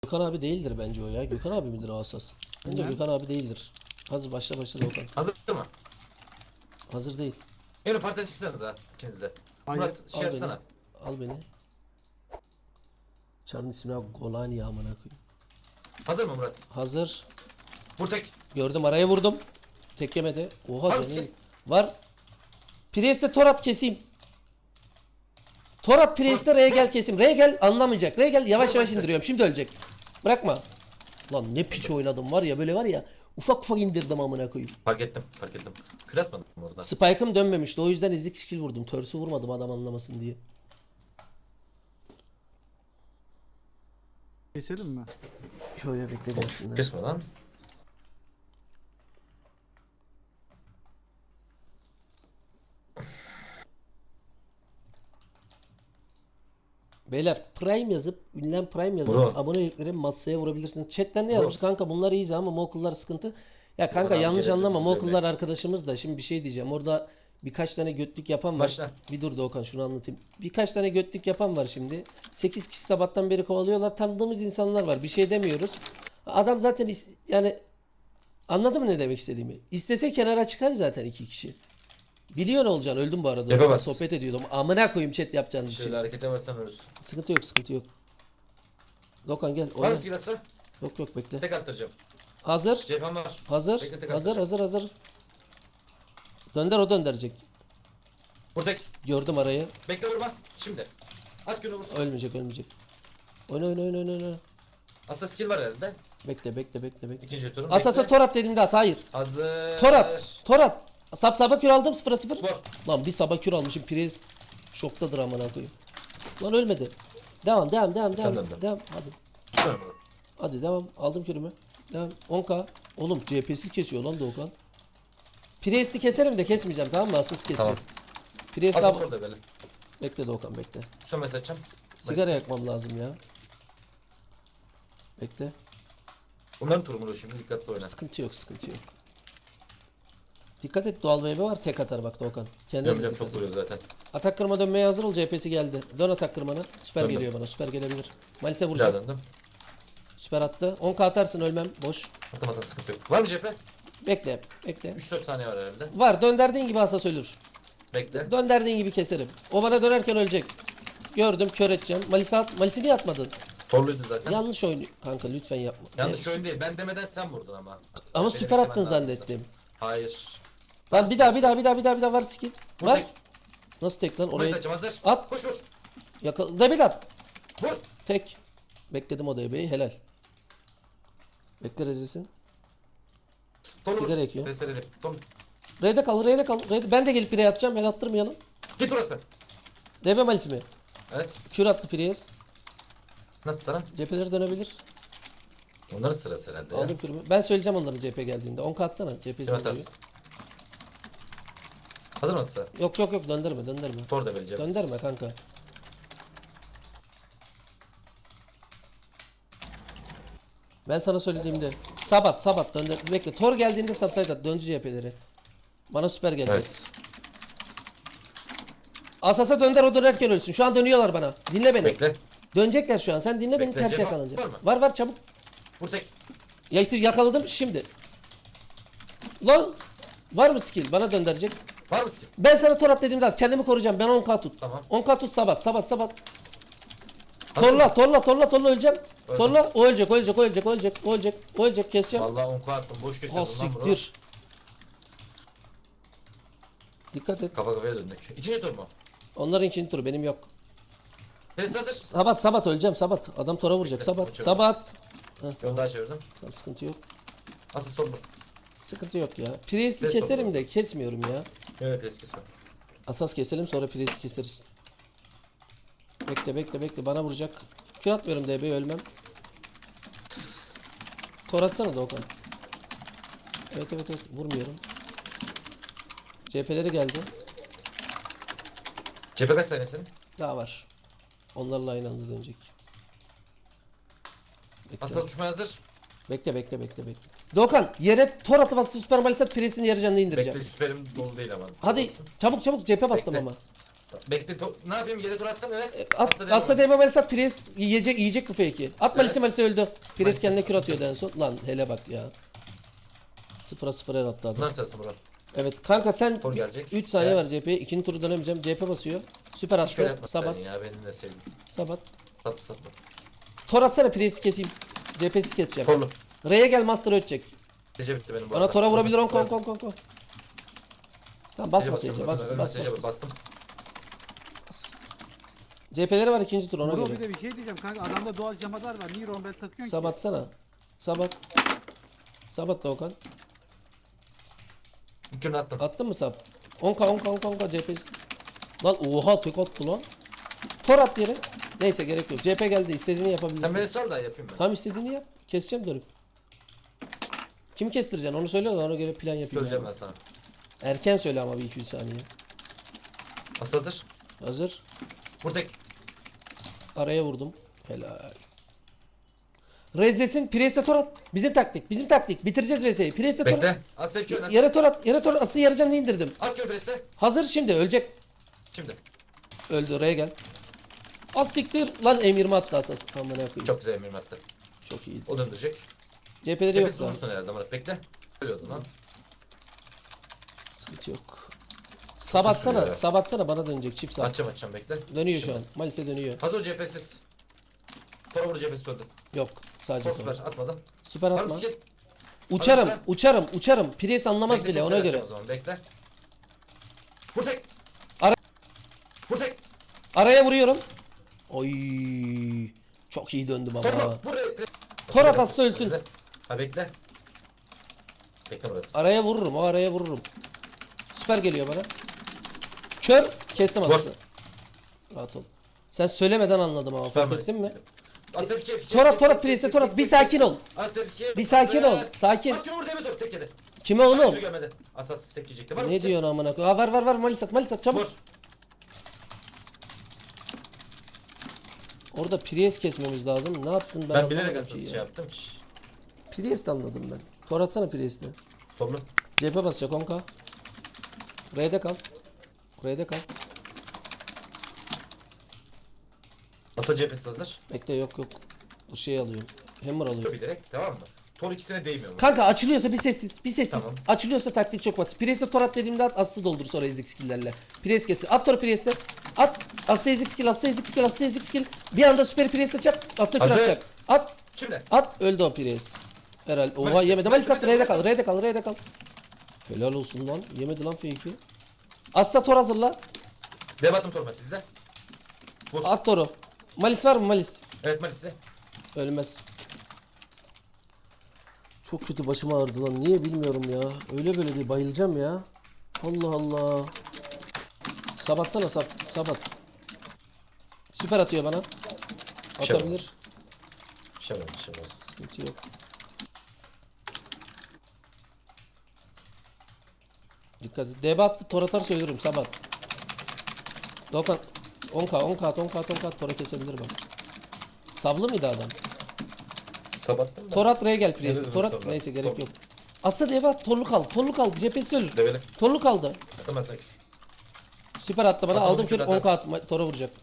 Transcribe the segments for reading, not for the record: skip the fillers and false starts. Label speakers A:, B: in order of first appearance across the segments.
A: Gökhan abi değildir bence o ya. Gökhan abi midir o asas? Bence Gökhan abi değildir. Hazır başla Gökhan.
B: Hazır mı?
A: Hazır değil.
B: Yine partiden çıksanız ha ikiniz de.
C: Hayır.
B: Murat şey
A: Al
B: yapsana.
A: beni. Al beni. Çarın ismini abi Golani amına koyayım.
B: Hazır mı Murat?
A: Hazır.
B: Vur tek.
A: Gördüm araya vurdum. Tek yemedi. Oha
B: Var
A: canım.
B: mısın?
A: Var. Priest'e torat keseyim. Torat Priest'e R'ye gel keseyim. R'ye gel anlamayacak. R'ye gel yavaş yavaş indiriyorum. Şimdi ölecek. Bırakma. Lan ne piç oynadım var ya böyle var ya. Ufak ufak indirdim amına koyayım.
B: Fark ettim. Kır atmadım orada.
A: Spike'ım dönmemişti. O yüzden ezik skill vurdum. Törsü vurmadım adam anlamasın diye.
C: Keselim mi?
A: Şöyle bekledim aslında.
B: Kesme lan.
A: Beyler Prime yazıp ünlem Prime yazıp
B: Bro.
A: abonelikleri masaya vurabilirsiniz. Chatten ne yazmış kanka bunlar iyiyiz ama Mokullar sıkıntı. Ya kanka
B: Adam
A: yanlış
B: gelebilir
A: anlama
B: bizi
A: Mokullar
B: dövmeye.
A: arkadaşımız da şimdi bir şey diyeceğim. Orada birkaç tane götlük yapan var.
B: Başla.
A: Bir dur Doğukan şunu anlatayım. Birkaç tane götlük yapan var şimdi. 8 kişi sabahtan beri kovalıyorlar. Tanıdığımız insanlar var. Bir şey demiyoruz. Adam zaten yani anladın mı ne demek istediğimi? İstese kenara çıkar zaten 2 kişi. Biliyor ne olacağını öldüm bu arada.
B: Yapamaz.
A: Sohbet ediyordum. Amına koyayım chat yapacağını bir şey.
B: Şöyle harekete varsan ölürsün.
A: Sıkıntı yok sıkıntı yok. Dokan gel.
B: Var
A: Oyna.
B: mı silahsı?
A: Yok bekle.
B: Tek attıracağım.
A: Hazır.
B: Cephem var.
A: Hazır.
B: Bekle, tek
A: Hazır
B: atacağım.
A: hazır. Dönder o döndürecek.
B: Vur tek.
A: Gördüm arayı.
B: Bekle vurma. Şimdi. At günü vur.
A: Ölmeyecek. Oyna.
B: Aslında skill var herhalde.
A: Bekle.
B: İkinci turum.
A: Asasa torat dediğimde at. Hayır.
B: Hazır.
A: Torat. Sabah kür aldım 0-0.
B: Vur.
A: Lan bir sabah kür almışım. Priz şoktadır amına koyayım. Lan ölmedi. Devam.
B: Tamam.
A: Hadi.
B: Şöyle vur.
A: Hadi devam. Aldım kürümü. Devam. 10k. Oğlum CP'siz kesiyor lan Doğukan. Priest'i keserim de kesmeyeceğim tamam mı? Asıl keseceğim.
B: Tamam.
A: Priest
B: Asıl
A: ab-
B: orada böyle.
A: Bekle Doğukan bekle.
B: Son mesaj açacağım.
A: Sigara yakmam lazım ya. Bekle.
B: Bunların turu şimdi dikkatli oyna.
A: Sıkıntı yok. Dikkat et doğal wave var tek atar bak Doğukan. Kendine
B: Biliyorum
A: dikkat
B: çok
A: et.
B: vuruyor zaten.
A: Atak kırma dönmeye hazır ol CP'si geldi. Dön atak kırmana. Süper
B: Döndüm.
A: geliyor bana. Süper gelebilir. Malis'e
B: Bir daha
A: vuracak.
B: döndüm.
A: Süper attı. 10k atarsın ölmem. Boş.
B: Atamadım sıkıntı yok. Var mı cephe?
A: Bekle.
B: 3-4 saniye var herhalde.
A: Var. Dönderdiğin gibi asas ölür.
B: Bekle.
A: Dönderdiğin gibi keserim. O bana dönerken ölecek. Gördüm kör edeceğim. Malis'e at. Malis'i niye atmadın?
B: Torluydu zaten.
A: Yanlış oyun kanka lütfen yapma.
B: Yanlış oyun değil. Ben demeden sen vurdun ama.
A: Ama
B: Benim
A: süper
B: beklemem
A: attın
B: lazımdı.
A: zannettim.
B: Hayır.
A: Lan bir daha var skill.
B: Vur
A: Var.
B: tek.
A: Nasıl tek lan?
B: Orayı
A: Oraya
B: saçım hazır.
A: at.
B: Koş vur.
A: Yakal. Debil at.
B: Vur.
A: Tek. Bekledim o DB'yi helal. Bekle rezisin.
B: Torlu vur.
A: Sigara yakıyor.
B: Peseledim. Tom.
A: R'de kal. Ben de gelip pireye atacağım. El attırmayalım.
B: Git burası.
A: DB malisi mi?
B: Evet.
A: Kür attı pireye.
B: Ne attı sana?
A: Cepheleri dönebilir.
B: Onların sırası herhalde ya.
A: Aldım kürümü. Ben söyleyeceğim onların CP geldiğinde. 10k atsana.
B: Kim
A: CP'si
B: atarsın? Hazır mısın?
A: Yok döndürme.
B: Tor da vereceğim.
A: Döndürme kanka. Ben sana söylediğimde Sabat döndür. Bekle. Tor geldiğinde subside at. Döndü CHP'leri. Bana süper gelecek.
B: Evet.
A: Asasa dönder o dönerken ölsün. Şu an dönüyorlar bana. Dinle beni.
B: Bekle.
A: Dönecekler şu an. Sen dinle beni
B: Bekle,
A: ters
B: Cema,
A: yakalanacak.
B: var mı?
A: Var çabuk.
B: Vur tek.
A: Yakaladım şimdi. Lan var mı skill? Bana döndürecek.
B: Var mı skill?
A: Ben sana tor at dediğimde at. Kendimi koruyacağım. Ben 10k tut.
B: Tamam.
A: 10k tut Sabat.
B: Hazır mı?
A: Torla öleceğim.
B: Öldüm.
A: Torla o ölecek keseceğim.
B: Vallahi 10k attım. Boş
A: Ha
B: kesiyordum lan bunu.
A: siktir. Dikkat et.
B: Kafa kafaya döndük. İkinci tur mu?
A: Onların ikinci turu benim yok.
B: Pes hazır.
A: Sabat öleceğim Sabat. Adam tora vuracak
B: Bekle,
A: Sabat.
B: uçuyorum.
A: Sabat.
B: Yolu daha çevirdim.
A: Tamam, sıkıntı yok.
B: Asist torlu.
A: Sıkıntı yok ya. Priest'i
B: Test
A: keserim
B: oldu.
A: de kesmiyorum ya.
B: Evet pes kesme.
A: Asas keselim sonra Priest'i keseriz. Bekle bana vuracak. Kür atmıyorum DB'ye ölmem. Tor atsana da Okan. Evet vurmuyorum. CHP'leri geldi.
B: Cephe kaç saniyesin?
A: Daha var. Onlarla aynı anda dönecek.
B: Asla düşmaya hazır.
A: Bekle. Doğukan yere tor atıp asıl süper malisat Priest'in yarı canını indireceğim.
B: Bekle süperim dolu değil ama.
A: Hadi
B: Olsun.
A: çabuk cephe bastım
B: Bekle.
A: ama.
B: Bekle. Ne yapayım? Yere tur attım evet.
A: Atsa değme Malis at. Pires yiyecek bu fake'i. At Malis'i,
B: Evet.
A: Malis'i öldü. Pires
B: Malis'i.
A: kendine kür atıyordu en son. Lan hele bak ya. 0'a 0 el attı adam.
B: Bunlar sırası Murat.
A: Evet kanka sen
B: Tor gelecek.
A: 3 saniye
B: Gel.
A: var CHP'ye. İkinci turu dönemeyeceğim. CHP basıyor. Süper
B: Hiç böyle
A: attı.
B: yapma.
A: Sabat.
B: Ya benim de sevdim.
A: Sabat.
B: Sapma.
A: Tor atsana Pires'i keseyim. CHP'siz keseceğim.
B: Torlu.
A: R'ye gel Master ötecek.
B: Gece bitti benim bu
A: Bana
B: arada.
A: Tor'a vurabilir on
B: Evet.
A: kon. Tamam basma
B: Gece
A: seyirci.
B: basıyorum.
A: Bas.
B: Mesajı bastım.
A: CHP'leri var ikinci tur ona
C: Muro
A: göre.
C: bir de bir şey diyeceğim kanka, adamda doğal camadar var. Niye rombel takıyorsun ki?
A: Sabatsana. Sabat. Sabat da Okan.
B: Mümkün attım.
A: Attın mı sab? 10k CHP. Lan oha tek attı lan. Tor at yere. Neyse gerek yok. CHP geldi. İstediğini
B: Sen
A: yapabilirsin.
B: beni sal da yapayım ben.
A: Tamam istediğini yap. Keseceğim dönüp. Kimi kestireceksin onu söyle de ona göre plan yapayım.
B: Göreceğim
A: yani.
B: ben sana.
A: Erken söyle ama bir 200 saniye.
B: Asıl hazır.
A: Hazır.
B: Vur tek.
A: Araya vurdum. Helal. Rezzesin Priest'e tor at. Bizim taktik. Bitireceğiz Rezze'yi. Priest'e tor at.
B: Bekle. Az sevki oynasın.
A: Yere tor at. Asıl yarı canını indirdim.
B: At kör preste.
A: Hazır şimdi ölecek.
B: Şimdi.
A: Öldü oraya gel. At siktir. Lan M20 attı asas. Amına koyayım.
B: Çok güzel emir attı.
A: Çok iyi.
B: O döndürecek.
A: CHP'leri yok
B: Tepesi
A: lan.
B: vurursun herhalde Murat. Bekle. Ölüyordun lan.
A: Sıkıntı yok.
B: sürüyor ya.
A: Sabatsana bana dönecek çift sağ.
B: Açacağım bekle.
A: Dönüyor
B: Şimdi.
A: şu an. Malis'e dönüyor.
B: Hazır cephesiz. Tora vur cephesi öldü.
A: Yok. Sadece
B: Tor süper
A: tor.
B: atmadım.
A: Süper
B: Var
A: atma.
B: mı skill?
A: Uçarım.
B: Hadi
A: Uçarım. Priest anlamaz
B: Bekle,
A: bile
B: çok
A: ona
B: sert
A: göre.
B: atacağım O zaman bekle. Vur tek.
A: Ara-
B: Vur tek.
A: Araya vuruyorum. Oy. Çok iyi döndüm ama.
B: Tor vur.
A: Tor atası ölsün.
B: Ha bekle. Bekle Murat.
A: Araya vururum. O araya vururum. Süper geliyor bana. Kör. Kestim
B: Vur.
A: atası. Rahat ol. Sen söylemeden anladım ama
B: Süper
A: fark ettin mi?
B: Asef kef.
A: Torat Priest'e Torat. Bir sakin ol.
B: Asef kef.
A: Bir sakin ol. Sakin.
B: At vur deme top tek yedi.
A: Kime oğlum?
B: Yürü gelmedi. Asas tek yiyecekti. Var mı
A: Ne
B: skill?
A: diyorsun amına koyayım? Var Malis at çabuk.
B: Vur.
A: Orada Priest kesmemiz lazım. Ne yaptın
B: Ben bilerek
A: anlamadım
B: asas
A: ki
B: şey
A: ya.
B: yaptım ki.
A: Priest anladım ben. Tor atsana Priest'e.
B: Toplu.
A: CHP basacak 10k. R'de kal.
B: Asa cephesi hazır.
A: Bekle yok. Bu şey alıyorum. Hammer alıyorum.
B: Bilerek tamam mı? Tor ikisine değmiyor mu?
A: Kanka açılıyorsa bir sessiz.
B: Tamam.
A: Açılıyorsa taktik çok basit. Priest'e tor at dediğimde at aslı doldur sonra ezik skill'lerle. Priest kesin. At tor Priest'e. At. Aslı ezik skill. Bir anda süper Priest'e çak. Aslı kür
B: Hazır.
A: atacak. At.
B: Şimdi.
A: At. Öldü o Priest. Herhalde. Oha
B: Malis-
A: yemedi. Malis at.
B: Malis-
A: R'de kal. Helal olsun lan. Yemedi lan fake'i. Asla tor hazırla.
B: Debatım torment izle. Vur.
A: At toru. Malis var mı Malis?
B: Evet Malis'e.
A: Ölmez. Çok kötü başım ağrıdı lan. Niye bilmiyorum ya. Öyle böyle değil. Bayılacağım ya. Allah Allah. Sabatsana sabat. Süper atıyor bana.
B: Bir şey
A: Atabilir.
B: olmaz. Bir şey olmaz.
A: Sıkıntı yok. Dikkat et. DB attı. Tor atarsa ölürüm. Sabat. Dokan. 10k. Tora kesebilir bak. Sablı mıydı adam?
B: Sabattım da.
A: Torat R'ye gel
B: Ne
A: Priest.
B: dedim
A: Torat
B: sonra?
A: neyse gerek
B: Tor.
A: yok. Aslında diye bak torlu kaldı. Cephesi ölür.
B: Develi.
A: Torlu kaldı.
B: Atama sen kür.
A: Süper attı bana.
B: Atalım
A: Aldım kür
B: kür
A: 10k
B: atarsın.
A: atma. Tora vuracak.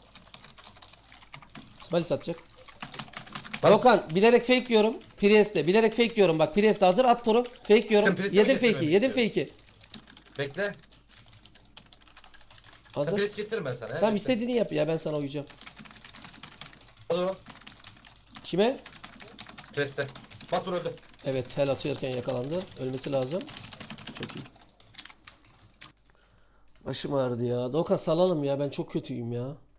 A: Smalis atacak.
B: Var mısın?
A: Dokan bilerek fake yiyorum. Priest'e bilerek fake yiyorum. Bak Priest hazır at toru. Fake yiyorum.
B: Sen Priest'i
A: Yedim
B: mi kestirmemi
A: fake'i.
B: istiyorsun? Bekle. Sen
A: Hazır.
B: pres keserim ben sana.
A: Tamam istediğini yap ya ben sana uyacağım.
B: Hazır o.
A: Kime?
B: Preste. Bas vur öldü.
A: Evet hel atıyorken yakalandı. Ölmesi lazım. Çok iyi. Başım ağrıdı ya. Dokan salalım ya ben çok kötüyüm ya.